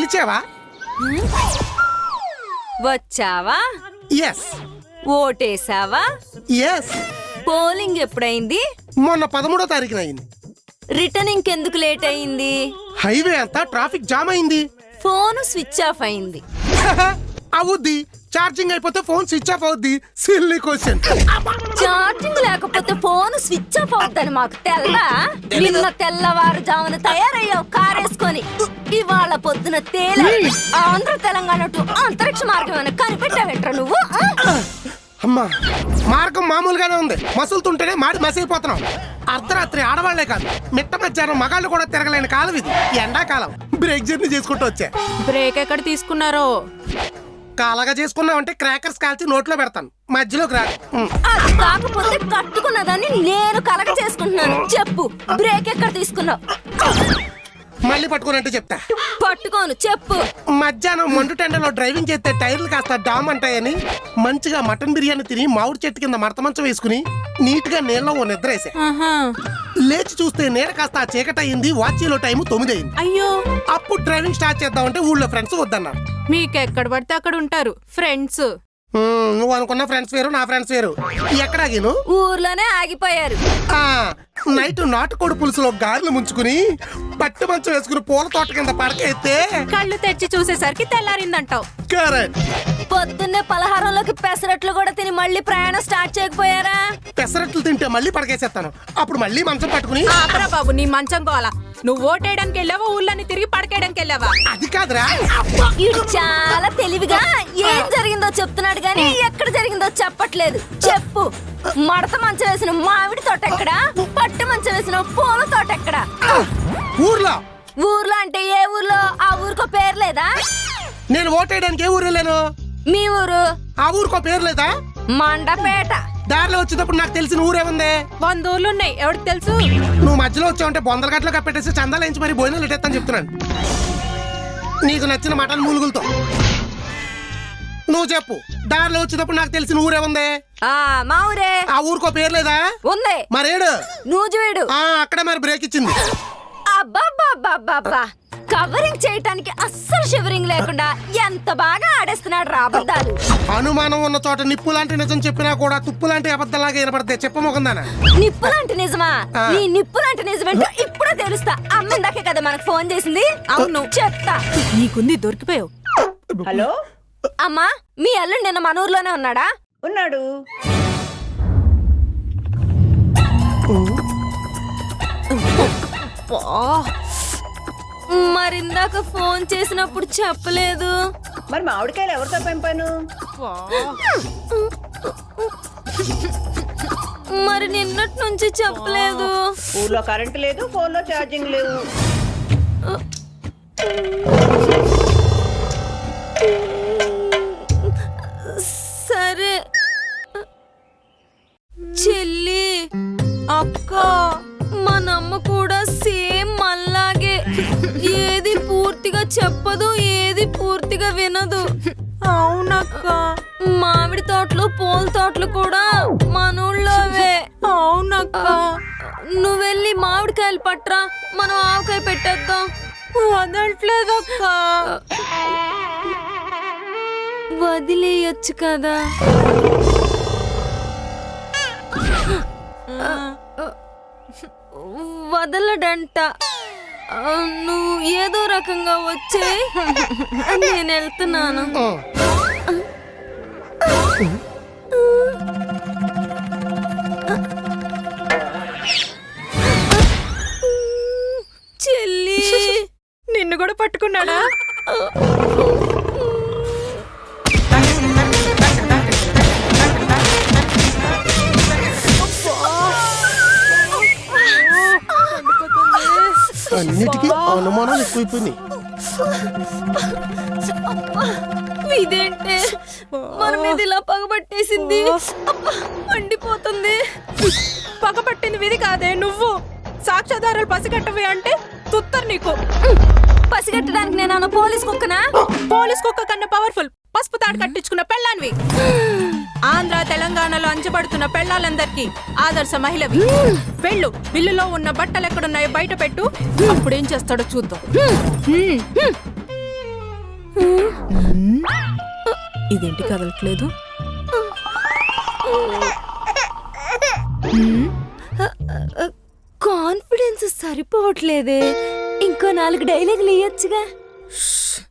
పిలిచావా? వచ్చావా? ఎస్. ఓటేసావా? ఎస్. పోలింగ్ ఎప్పుడైంది? మొన్న 13వ తారీఖున అయింది. రిటర్నింగ్ ఎందుకు లేట్ అయింది? హైవే అంతా ట్రాఫిక్ జామ్ అయింది. ఫోన్ స్విచ్ ఆఫ్ అయింది. అవుద్ది. ఛార్జింగ్ అయిపోతే ఫోన్ స్విచ్ ఆఫ్ అవుద్ది. Silly question. ఛార్జింగ్ లేకపోతే ఫోన్ స్విచ్ ఆఫ్ అవుద్దని మాకు తెల్లా? నిన్న తెల్లవారుజామున తయారయ్యావు కారేసుకొని, ఇవాళ పొద్దున తేలే ఆంధ్ర తెలంగాణ టు అంతరిక్ష మార్గం అని కనిపెట్టావేంట్రా నువ్వు? అమ్మా, మార్గం మామూలుగానే ఉంది. మసులుతుంటేనే మాడి మసిలిపోతున్నాం. అర్ధరాత్రి ఆడవాళ్లే కాదు, మిట్ట మధ్యాహ్నం మగాళ్ళు కూడా తిరగలేని కాలం ఇది. ఎండాకాలం బ్రేక్ జర్నీ చేసుకుంటూ వచ్చా. బ్రేక్ ఎక్కడ తీసుకున్నారో? కాలాగా చేసుకున్నావంటే క్రాకర్స్ కాల్చి నోట్లో పెడతాను, మధ్యలోకి రా. అది కాకపోతే కట్టుకున్నదాన్ని నేను కలగ చేసుకుంటున్నాను. చెప్పు, బ్రేక్ ఎక్కడ తీసుకున్నావు? మళ్ళీ పట్టుకున్నట్టు చెప్తా. పట్టుకోను, చెప్పు. మధ్యాహ్నం మండు టెండలో డ్రైవింగ్ చేస్తే టైర్లు కాస్త డామ్ అంటాయని మంచిగా మటన్ బిర్యానీ తిని మామిడి చెట్టు కింద మడత మంచం వేసుకుని నీట్ గా నీళ్ళలో ఓ నిద్రేసా. లేచి చూస్తే నీడ కాస్త చీకటి అయింది. వాచీలో టైం 9 అయింది. అయ్యో, అప్పుడు డ్రైవింగ్ స్టార్ట్ చేద్దామంటే ఊళ్ళో ఫ్రెండ్స్ వద్దన్నారు. మీకెక్కడ పడితే అక్కడ ఉంటారు ఫ్రెండ్స్. నువ్వు అనుకున్న ఫ్రెండ్స్ వేరు, నా ఫ్రెండ్స్ వేరు. ఎక్కడ ఆగిను? ఊర్లోనే ఆగిపోయారు. నైట్ నాటుకోడి పులుసులో గారెలు ముంచుకుని పట్టు మంచం వేసుకుని పూల తోట కింద పడకైతే కళ్ళు తెచ్చి చూసేసరికి తెల్లారిందంటావు. కరెక్ట్. పొద్దున్నే పలహారంలోకి పెసరట్లు కూడా తిని మళ్ళీ ప్రయాణం స్టార్ట్ చేయకపోయారా? పెసరట్లు తింటే మళ్ళీ పడకేసేస్తాను. అప్పుడు మళ్ళీ మంచం పట్టుకుని. ఆపరా బాబు, నీ మంచం కోలా. నువ్వు ఓటేయడానికి వెళ్ళావా, ఊళ్ళని తిరిగి పడకేయడానికి వెళ్ళావా? అది కాదురా. ఇడు చాలా తెలివిగా ఏం జరిగిందో చెప్తున్నాడు గానీ ఎక్కడ జరిగిందో చెప్పట్లేదు. చెప్పు, మడత మంచం వేసిన మామిడి తోట ఎక్కడ? పట్టు మంచం వేసిన పూల తోట ఎక్కడ? ఊర్లో. ఊర్లో అంటే ఏ ఊర్లో? ఆ ఊరికో పేరు లేదా? నేను ఓటేయడానికి ఏ ఊరు వెళ్ళాను? మీ ఊరు. ఆ ఊరికో పేరు లేదా? మండపేట. దారిలో వచ్చేటప్పుడు నాకు తెలిసిన ఊరేముంది? 100 ఊర్లు ఉన్నాయి, ఎవరికి తెలుసు? నువ్వు మధ్యలో వచ్చావంటే బొందల గట్లో కప్పెట్టేసి చందాలు ఎంచి మరి భోజనాలు ఇట్టేస్తాను చెప్తున్నాను. నీకు నచ్చిన మటన్ మూలుగులతో. నువ్వు చెప్పు, దారిలో వచ్చేటప్పుడు నాకు తెలిసిన ఊరేముంది? మా ఊరే. ఆ ఊరికో పేరు లేదా? ఉంది. మరేడు నూజివీడు. అక్కడే మరి బ్రేక్ ఇచ్చింది. అబ్బా, కవరింగ్ చేయటానికి అస్సలు షివరింగ్ లేకుండా ఎంత బాగా ఆడేస్తున్నాడు రా అబద్ధాలు. అనుమానం ఉన్న చోట నిప్పు లాంటి నిజం చెప్పినా కూడా తుప్పు లాంటి అబద్ధాలాగా వినపడతాయి. చెప్పమోకుందానా? నిప్పు లాంటి నిజమా? నీ నిప్పు లాంటి నిజమేంటో ఇప్పుడే తెలుస్తా. అమ్మిందాకే కదా మనకు ఫోన్ చేసింది. అవును, చెప్తా. నీకుంది, దొరికిపోయావు. హలో అమ్మా, మీ అల్లుడు నిన్న మన ఊర్లోనే ఉన్నాడా? ఉన్నాడు. మరిందాక ఫోన్ చేసినప్పుడు చెప్పలేదు. మరి మామిడికాయలు ఎవరితో పెంపాను? మరి నిన్నటి నుంచి చెప్పలేదు. ఊర్లో కరెంటు లేదు, ఫోన్లో ఛార్జింగ్ లేవు. సరే చెల్లి, అక్క, మనమ్మ కూడా సేమ్ మళ్ళాగే ఏది పూర్తిగా చెప్పదు, ఏది పూర్తిగా వినదు. అవునక్క. మామిడి తోటలు పూల తోటలు కూడా మన ఊళ్ళోవే. అవునక్క. నువ్వెళ్ళి మామిడికాయలు పట్రా, మనం ఆవకాయ పెట్టేద్దాం. వదలట్లేదక్క. వదిలేయచ్చు కదా. వదలడంట. నువ్వు ఏదో రకంగా వచ్చే, నేను వెళ్తున్నాను. చెల్లి, నిన్ను కూడా పట్టుకున్నాడా? అన్నిటికీ అనుమానాలు ఎక్కువైపోయినాయి. ఇదేంటే మన మీద ఇలా పగబట్టేసింది. మండిపోతుంది. పగబట్టింది విధి కాదే, నువ్వు. సాక్ష్యాధారాలు పసిగట్టవి అంటే తుత్తరు నీకు. పసిగట్టడానికి నేను పోలీస్ కుక్కనా? పోలీస్ కుక్క కన్నా పవర్ఫుల్ పసుపు తాడు కట్టించుకున్న పెళ్ళాన్వి. ఆంధ్ర తెలంగాణలో అంచబడుతున్న పెళ్ళాలందరికీ ఆదర్శ మహిళవి. వెళ్ళు, బిల్లులో ఉన్న బట్టలు ఎక్కడున్నాయో బయట పెట్టు. అప్పుడేం చేస్తాడో చూద్దాం. ఇదేంటి కదలట్లేదు? కాన్ఫిడెన్స్ సరిపోవట్లేదే. ఇంకో 4 డైలాగులు ఇయ్యొచ్చుగా.